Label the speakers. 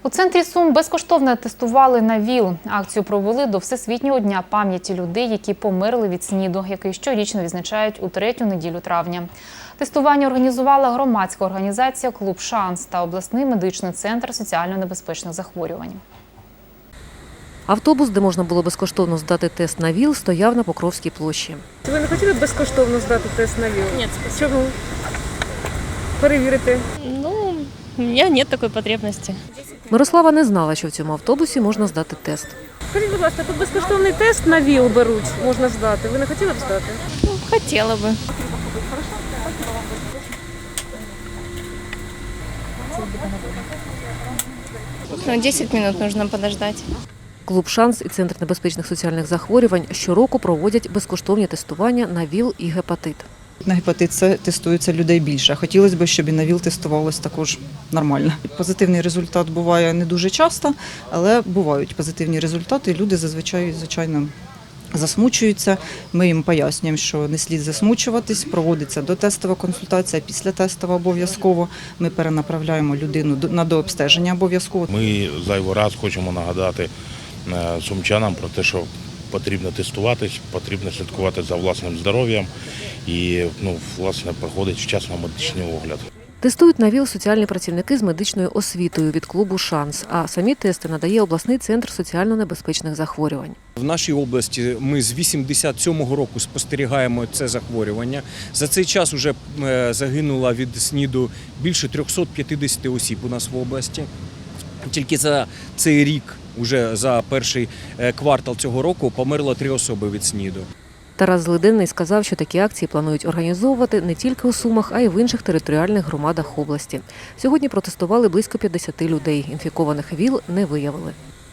Speaker 1: У центрі Сум безкоштовно тестували на ВІЛ. Акцію провели до Всесвітнього дня пам'яті людей, які померли від СНІДу, який щорічно відзначають у третю неділю травня. Тестування організувала громадська організація «Клуб Шанс» та обласний медичний центр соціально небезпечних захворювань.
Speaker 2: Автобус, де можна було безкоштовно здати тест на ВІЛ, стояв на Покровській площі.
Speaker 3: Ви не хотіли б безкоштовно здати тест на ВІЛ?
Speaker 4: Нет, спасибо.
Speaker 3: Чому? Перевірити.
Speaker 4: Ну, у меня нет такой потребности.
Speaker 2: Мирослава не знала, що в цьому автобусі можна здати тест.
Speaker 3: Скажіть, будь ласка, тут безкоштовний тест на ВІЛ беруть, можна здати. Ви не хотіли б здати?
Speaker 4: Ну, хотела бы. Ну, 10 минут нужно подождать.
Speaker 2: Клуб «Шанс» і Центр небезпечних соціальних захворювань щороку проводять безкоштовні тестування на ВІЛ і гепатит.
Speaker 5: На гепатит С тестується людей більше. Хотілося б, щоб і на ВІЛ тестувалось також нормально. Позитивний результат буває не дуже часто, але бувають позитивні результати. І люди зазвичай, звичайно, засмучуються. Ми їм пояснюємо, що не слід засмучуватись, проводиться дотестова консультація, післятестова обов'язково. Ми перенаправляємо людину на дообстеження обов'язково.
Speaker 6: Ми зайвий раз хочемо нагадати сумчанам про те, що потрібно тестуватись, потрібно слідкувати за власним здоров'ям і, власне, проходить вчасно медичний огляд.
Speaker 2: Тестують на ВІЛ соціальні працівники з медичною освітою від клубу «Шанс», а самі тести надає обласний центр соціально небезпечних захворювань.
Speaker 7: В нашій області ми з 87-го року спостерігаємо це захворювання. За цей час вже загинуло від СНІДу більше 350 осіб у нас в області. Тільки за цей рік, уже за перший квартал цього року, померло 3 особи від СНІДу.
Speaker 2: Тарас Злиденний сказав, що такі акції планують організовувати не тільки у Сумах, а й в інших територіальних громадах області. Сьогодні протестували близько 50 людей. Інфікованих ВІЛ не виявили.